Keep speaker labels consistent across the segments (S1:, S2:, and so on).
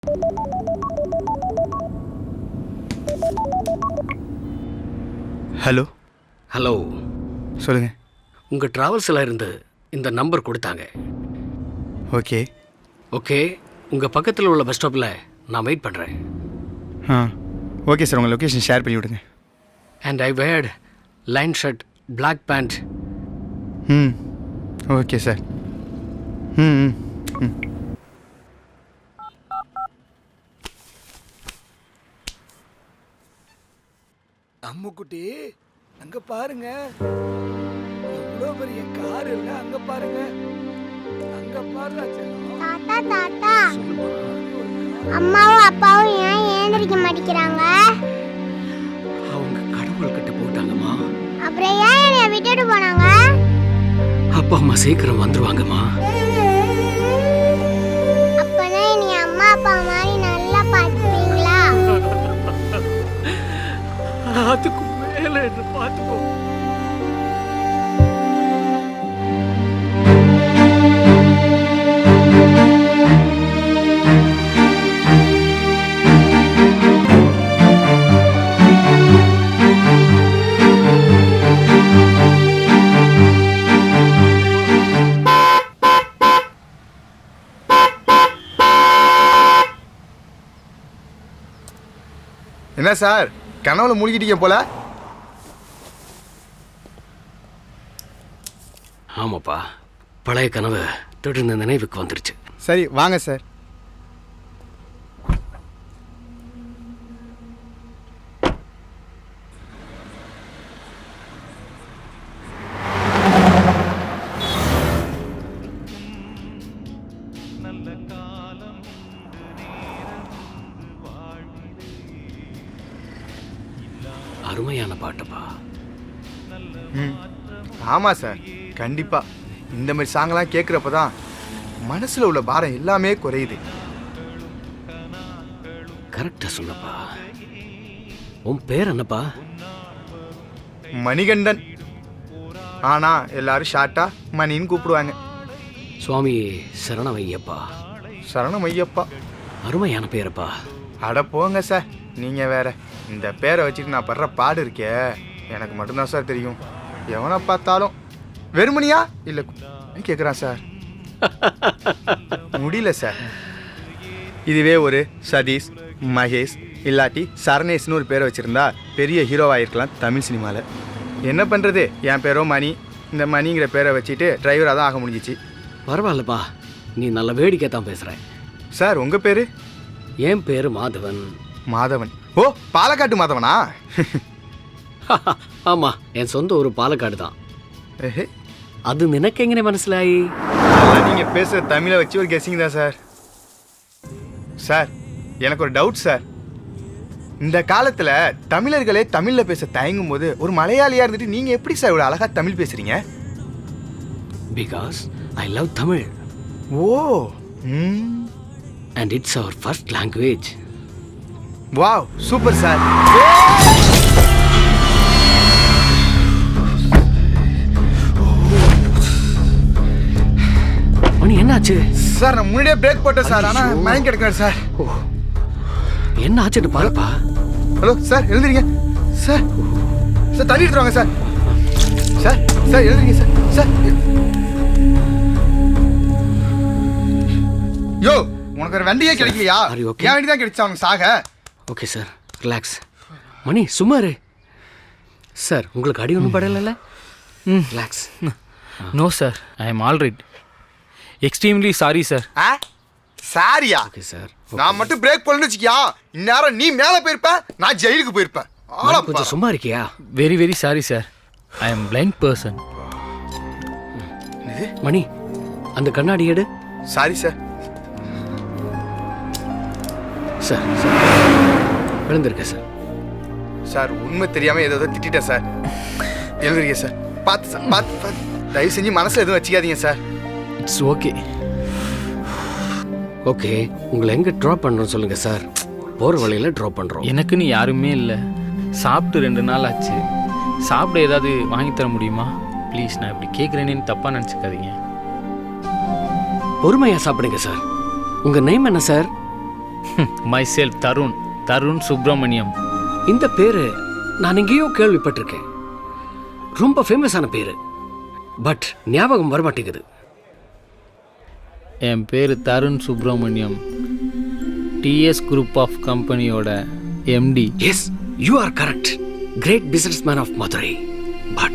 S1: Hello.
S2: Hello,
S1: சொல்லுங்க.
S2: உங்கள் ட்ராவல்ஸில் இருந்து இந்த நம்பர் கொடுத்தாங்க.
S1: ஓகே.
S2: ஓகே, உங்கள் பக்கத்தில் உள்ள பஸ் ஸ்டாப்பில் நான் வெயிட் பண்ணுறேன்.
S1: ஆ ஓகே சார், உங்கள் லொக்கேஷன் ஷேர் பண்ணி விடுங்க.
S2: And I wear line shirt, black pant.
S1: Hmm okay sir. Hmm hmm ம்.
S3: அம்முக்குட்டி, அங்க பாருங்க, எவ்வளவு பெரிய கார் இல்ல, அங்க பாருங்க, அங்க பாருடா செல்லம்.
S4: தாத்தா தாத்தா, அம்மாவும் அப்பாவும் ஏன் ஏந்திரிக்க மாட்டேங்கிறாங்க?
S2: அவங்க கடவுள்கிட்ட போட்டாங்கம்மா.
S4: அப்புறம் ஏன் என்னை விட்டுட்டு போனாங்க?
S2: அப்பா அம்மா சீக்கிரம் வந்துருவாங்கம்மா.
S4: அப்பனா நீ அம்மா அப்பா மாதிரி நல்லா பார்த்துப்பீங்களா?
S2: அதுக்கு மேல என்ன பார்த்துக்கோ.
S1: என்ன சார், கனவுல மூழ்கிட்டீங்க போல.
S2: ஆமாப்பா, பழைய கனவு திடீர்னு நினைவுக்கு வந்துருச்சு.
S1: சரி வாங்க சார்.
S2: அருமையான பாட்டுப்பா.
S1: ம் ஆமாம் சார், கண்டிப்பாக இந்த மாதிரி சாங்கெல்லாம் கேட்குறப்ப தான் மனசில் உள்ள பாரம் எல்லாமே குறையுது.
S2: கரெக்டாக சொன்னப்பா. உன் பேர் என்னப்பா?
S1: மணிகண்டன். ஆனால் எல்லாரும் ஷார்ட்டாக மணின்னு கூப்பிடுவாங்க.
S2: சுவாமி சரணமையப்பா.
S1: சரணம் ஐயப்பா.
S2: அருமையான பேரப்பா.
S1: அட போங்க சார், நீங்கள் வேற. இந்த பேரை வச்சுட்டு நான் படுற பாடு இருக்கே, எனக்கு மட்டும்தான் சார் தெரியும். எவனை பார்த்தாலும் வெறுமணியா இல்லை கேட்குறான் சார். முடியல சார். இதுவே ஒரு சதீஷ், மகேஷ் இல்லாட்டி சரணேஷ்னு ஒரு பேரை வச்சுருந்தா பெரிய ஹீரோவாகிருக்கலாம் தமிழ் சினிமாவில். என்ன பண்ணுறது, என் பேரோ மணி. இந்த மணிங்கிற பேரை வச்சுட்டு டிரைவராக தான் ஆக முடிஞ்சிச்சு.
S2: பரவாயில்லப்பா, நீ நல்ல வேடிக்கை தான் பேசுகிற.
S1: சார் உங்கள் பேர்?
S2: என் பேர் மாதவன்.
S1: மாதவன். ஓ, பாலக்காட்டு மாதவனா?
S2: ஆமாம், என் சொந்த ஊர் பாலக்காடு தான்.
S1: ஏஹே,
S2: அது நினைக்க எங்கே மனசிலாயி?
S1: நீங்கள் பேசுகிற தமிழை வச்சு ஒரு கெஸ்ஸிங் தான் சார். சார் எனக்கு ஒரு டவுட் சார். இந்த காலத்தில் தமிழர்களே தமிழில் பேச தயங்கும் போது ஒரு மலையாளியாக இருந்துட்டு நீங்கள் எப்படி சார் இவ்வளோ அழகாக தமிழ் பேசுகிறீங்க?
S2: Because I love Tamil.
S1: ஓ.
S2: And it's our first language.
S1: Wow, super sir.
S2: Mani என்னாச்சு?
S1: சார் நான் முன்னாடியே பிரேக் போட்டேன் சார், ஆனால் மயங்க கிடக்கிறேன் சார்.
S2: என்ன ஆச்சுன்னு பாருப்பா.
S1: ஹலோ சார், எழுதுறீங்க சார்? சார் தண்ணி எடுத்துருவாங்க சார். சார் சார் எழுதுறீங்க சார். சார் யோ, உனக்கு ஒரு வண்டியே கிடைக்கலையா? என் வண்டி தான் கிடைச்சா அவனுக்கு சாக.
S2: Okay sir, relax. மணி சும்மா இரு. சார் உங்களுக்கு அடி ஒன்றும் படலைல்ல? Relax.
S5: No sir, I am all right. Extremely sorry sir.
S1: சாரியா?
S2: Okay sir.
S1: நான் மட்டும் பிரேக் பண்ணு வச்சுக்கியா, இந்நேரம் நீ மேலே போயிருப்ப, நான் ஜெயிலுக்கு போயிருப்பேன்.
S2: கொஞ்சம் சும்மா இருக்கியா?
S5: Very very sorry sir. I am blind person.
S2: மணி அந்த கண்ணாடி எடு.
S1: Sorry sir.
S2: சார் சார் விழுந்திருக்க சார்.
S1: சார் உண்மை தெரியாமல் ஏதோ திட்டேன் சார். எழுதுறீங்க சார். பார்த்து சார், பார்த்து தயவு செஞ்சு மனசில் எதுவும் வச்சுக்காதீங்க சார்.
S5: It's okay.
S2: ஓகே, உங்களை எங்கே ட்ராப் பண்ணுறோம் சொல்லுங்கள் சார். போகிற வழியில் ட்ராப் பண்ணுறோம்.
S5: எனக்குன்னு யாருமே இல்லை. சாப்பிட்டு 2 நாள் ஆச்சு. சாப்பிட ஏதாவது வாங்கி தர முடியுமா ப்ளீஸ்? நான் இப்படி கேட்குறேன்னு தப்பாக நினச்சிக்காதீங்க.
S2: பொறுமையாக சாப்பிடுங்க சார். உங்கள் நேம் என்ன sir?
S5: Myself Tarun Subramaniam.
S2: இந்த பேரு நான் எங்கேயோ கேள்விப்பட்டிருக்கேன். ரொம்ப ஃபேமஸான பேரு, பட் ஞாபகம் வரமாட்டேங்குது.
S5: என் பேர் Tarun Subramaniam, TS group of கம்பெனியோட MD.
S2: Yes, you are correct. Great business of Madurai. But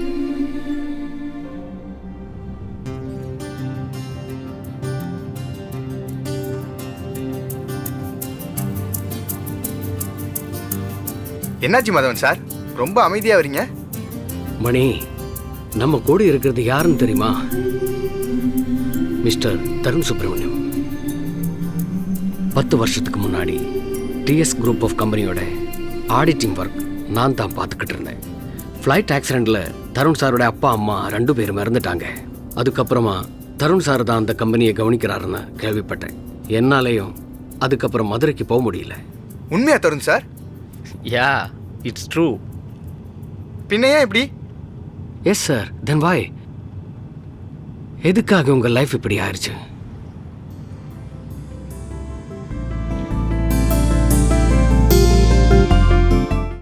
S1: என்னாச்சு மாதவன் சார், ரொம்ப அமைதியாக வரீங்க?
S2: மணி, நம்ம கூட இருக்கிறது யாருன்னு தெரியுமா? மிஸ்டர் தருண் சுப்பிரமணியம். 10 வருஷத்துக்கு முன்னாடி டிஎஸ் குரூப் ஆஃப் கம்பெனியோட ஆடிட்டிங் ஒர்க் நான் தான் பார்த்துக்கிட்டு இருந்தேன். ஃப்ளைட் ஆக்சிடெண்ட்டில் தருண் சாரோட அப்பா அம்மா 2 பேரும் இறந்துட்டாங்க. அதுக்கப்புறமா தருண் சார் தான் அந்த கம்பெனியை கவனிக்கிறாருன்னு கேள்விப்பட்டேன். என்னாலேயும் அதுக்கப்புறம் மதுரைக்கு போக முடியல.
S1: உண்மையா Tarun sir?
S5: Yeah, it's true.
S1: பின்ன ஏன் இப்படி?
S2: Yes sir. Then why? எதுக்காக உங்கள் லைஃப் இப்படி ஆயிடுச்சு?